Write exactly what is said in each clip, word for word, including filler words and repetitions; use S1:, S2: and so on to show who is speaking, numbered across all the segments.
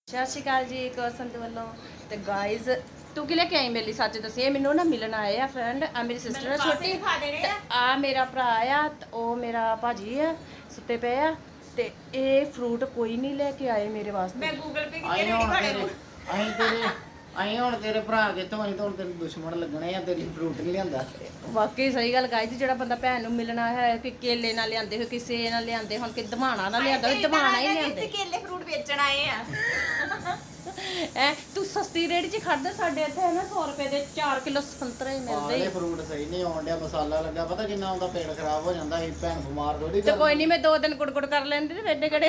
S1: ਸਤਿ ਸ਼੍ਰੀ ਅਕਾਲ ਜੀ ਕੋਸੰਤ ਵੱਲੋਂ ਤੇ ਗਾਇਜ਼ ਤੂੰ ਕਿ ਲੈ ਕੇ ਆਈ ਮੇਰੀ ਸੱਚ ਦੱਸ ਇਹ ਮੈਨੂੰ ਨਾ ਮਿਲਣ ਆਏ ਆ ਫਰੈਂਡ ਆ ਮੇਰੀ ਸਿਸਟਰ ਆ ਛੋਟੀ ਤੇ ਆ ਮੇਰਾ ਭਰਾ ਆ ਤੇ ਉਹ ਮੇਰਾ ਭਾਜੀ ਆ ਸੁੱਤੇ ਪਏ ਆ ਤੇ ਇਹ ਫਰੂਟ ਕੋਈ ਨਹੀਂ ਲੈ ਕੇ ਆਏ ਮੇਰੇ ਵਾਸਤੇ
S2: ਮੈਂ ਗੂਗਲ ਪੇ
S3: ਆਏ
S2: ਕੀਤੀ
S3: ਹੁਣ
S2: ਨਹੀਂ
S3: ਤੇਰੇ ਅਸੀਂ ਤੇਰੇ ਅਸੀਂ ਹੁਣ ਤੇਰੇ ਭਰਾ ਕਿੱਥੋਂ ਅਸੀਂ ਤਾਂ ਹੁਣ ਤੇਰੇ ਦੁਸ਼ਮਣ ਲੱਗਣੇ ਆ ਤੇਰੀ ਫਰੂਟ ਨਹੀਂ ਲਿਆਂਦਾ
S1: ਵਾਕਈ ਸਹੀ ਗੱਲ ਗਾਇਜ਼ ਜਿਹੜਾ ਬੰਦਾ ਭੈਣ ਨੂੰ ਮਿਲਣਾ ਹੈ ਕਿ ਕੇਲੇ ਨਾਲ ਲਿਆਂਦੇ ਹੋ ਕਿਸੇ ਨਾਲ ਲਿਆਂਦੇ ਹੁਣ ਕਿ ਦਮਾਣਾ ਨਾਲ ਲਿਆਂਦਾ ਹੋਵੇ ਦਮਾਣਾ ਹੀ ਲਿਆਂਦੇ
S2: ਕੇਲੇ ਫਰੂਟ ਵੇਚਣ ਆਏ ਆ
S1: ਐ ਤੂੰ ਸਸਤੀ ਰੇਟ 'ਚ ਖੜਦਾ ਸਾਡੇ ਇੱਥੇ ਹੈ ਨਾ ਸੌ ਰੁਪਏ ਦੇ ਚਾਰ ਕਿਲੋ ਸੰਤਰੇ ਮਿਲਦੇ
S3: ਆਲੇ ਫਰੂਟ ਸਹੀ ਨਹੀਂ ਆਉਣ ਡਿਆ ਮਸਾਲਾ ਲੱਗਾ ਪਤਾ ਕਿੰਨਾ ਆਉਂਦਾ ਪੇਟ ਖਰਾਬ ਹੋ ਜਾਂਦਾ ਸੀ ਭੈਣ ਬਿਮਾਰ ਥੋੜੀ
S1: ਤੇ ਕੋਈ ਨਹੀਂ ਮੈਂ ਦੋ ਦਿਨ ਕੁੜਕੁੜ ਕਰ ਲੈਂਦੀ ਤੇ ਵੇਡੇ ਕਿਹੜੇ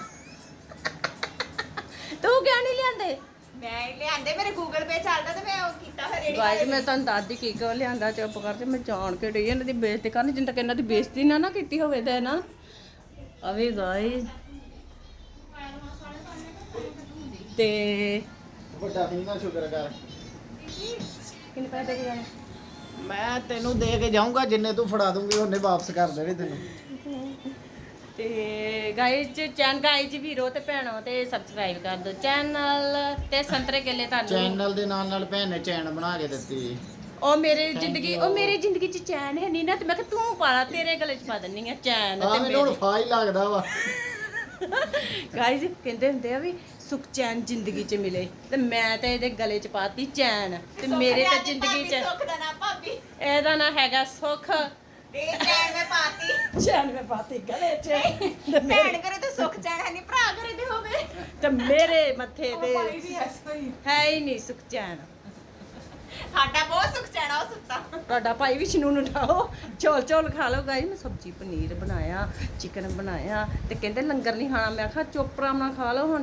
S1: ਤੂੰ ਕਿਉਂ ਨਹੀਂ ਲਿਆਂਦੇ
S2: ਮੈਂ ਲਿਆਂਦੇ ਮੇਰੇ ਗੂਗਲ ਪੇ ਚੱਲਦਾ ਤੇ ਮੈਂ ਉਹ ਕੀਤਾ ਫਿਰ ਰੇੜੀ
S1: ਗਾਇਜ਼ ਮੈਂ ਤੁਹਾਨੂੰ ਦੱਸਦੀ ਕੀ ਕਿਉਂ ਲਿਆਂਦਾ ਚੁੱਪ ਕਰਕੇ ਮੈਂ ਜਾਣ ਕੇ ਡਈ ਇਹਨਾਂ ਦੀ ਬੇਇੱਜ਼ਤੀ ਕਰਨੀ ਜਿੰਨ ਤੱਕ ਇਹਨਾਂ ਦੀ ਬੇਇੱਜ਼ਤੀ ਨਾ ਨਾ ਕੀਤੀ ਹੋਵੇ ਤੇ ਨਾ ਅਵੇ ਗਾਇਜ਼ ਤੇ
S3: ਵੱਡਾ ਨਹੀਂ ਨਾ ਸ਼ੁਕਰ ਕਰ
S1: ਕਿੰਨੇ ਪੈਸੇ ਦੇ ਕੇ ਜਾਣੇ
S3: ਮੈਂ ਤੈਨੂੰ ਦੇ ਕੇ ਜਾਊਂਗਾ ਜਿੰਨੇ ਤੂੰ ਫੜਾ ਦੂੰਗੀ ਉਹਨੇ ਵਾਪਸ ਕਰ ਦੇਣੇ ਤੈਨੂੰ
S1: ਤੇ ਗਾਇਜ਼ ਚੈਨ ਗਾਇਜ਼ ਵੀਰੋ ਤੇ ਭੈਣੋ ਤੇ ਸਬਸਕ੍ਰਾਈਬ ਕਰ ਦਿਓ ਚੈਨਲ ਤੇ ਸੰਤਰੇ ਕੇਲੇ ਤੁਹਾਨੂੰ
S3: ਚੈਨਲ ਦੇ ਨਾਲ ਨਾਲ ਭੈਣ ਨੇ ਚੈਨ ਬਣਾ ਕੇ ਦਿੱਤੀ
S1: ਉਹ ਮੇਰੇ
S3: Thank
S1: ਜ਼ਿੰਦਗੀ
S3: you.
S1: ਉਹ ਮੇਰੀ ਜ਼ਿੰਦਗੀ ਚ ਚੈਨ ਹੈ ਨਹੀਂ ਨਾ ਤੇ ਮੈਂ ਕਿਹਾ ਤੂੰ ਪਾਲਾ ਤੇਰੇ ਗਲੇ ਚ ਪਾ ਦਿੰਨੀ ਆ ਚੈਨ
S3: ਆ
S1: ਤੇ
S3: ਮੈਨੂੰ ਹੁਣ ਫਾ ਹੀ ਲੱਗਦਾ ਵਾ
S1: ਗਾਇਜ਼ ਕਹਿੰਦੇ ਹੁੰਦੇ ਆ ਵੀ ਸੁਖ ਚੈਨ ਜ਼ਿੰਦਗੀ ਚ ਮਿਲੇ ਤੇ ਮੈਂ ਤੇ ਇਹਦੇ ਗਲੇ ਚ ਪਾਤੀ ਚੈਨ ਤੇ ਮੇਰੇ ਤਾਂ ਜ਼ਿੰਦਗੀ ਚ
S2: ਸੁੱਖ ਦਾ ਨਾ ਭਾਬੀ
S1: ਇਹਦਾ ਨਾ ਹੈਗਾ ਸੁਖ
S2: ਤੇ ਚੈਨ ਮੈਂ ਪਾਤੀ
S1: ਚੈਨ ਮੈਂ ਪਾਤੀ ਗਲੇ ਚ ਤੇ
S2: ਭੈਣ
S1: ਮੇਰੇ
S2: ਕਰੇ ਤੇ ਸੁੱਖ ਚੈਨ ਹੈ ਨਹੀਂ ਭਰਾ ਕਰੇ ਤੇ ਹੋਵੇ
S1: ਤੇ ਮੇਰੇ ਮੱਥੇ ਤੇ
S2: ਭਾਈ ਵੀ ਐਸਾ ਹੀ
S1: ਹੈ ਹੀ ਨਹੀਂ ਸੁਖ ਚੈਨ
S2: ਸਾਡਾ ਬਹੁਤ ਸੁੱਖ ਚੈਨ ਆ ਉਹ ਸੁੱਤਾ
S1: ਤੁਹਾਡਾ ਭਾਈ ਵਿਸ਼ਨੂੰ ਨੂੰ ਉਠਾਓ ਚੌਲ ਚੌਲ ਖਾ ਲਓ ਗਾਈ ਮੈਂ ਸਬਜੀ ਪਨੀਰ ਬਣਾਇਆ ਚਿਕਨ ਬਣਾਇਆ ਤੇ ਕਹਿੰਦੇ ਲੰਗਰ ਨਹੀਂ ਖਾਣਾ ਮੈਂ ਕਿਹਾ ਚੁੱਪ ਆਰਾਮ ਨਾਲ ਖਾ ਲਓ ਹੁਣ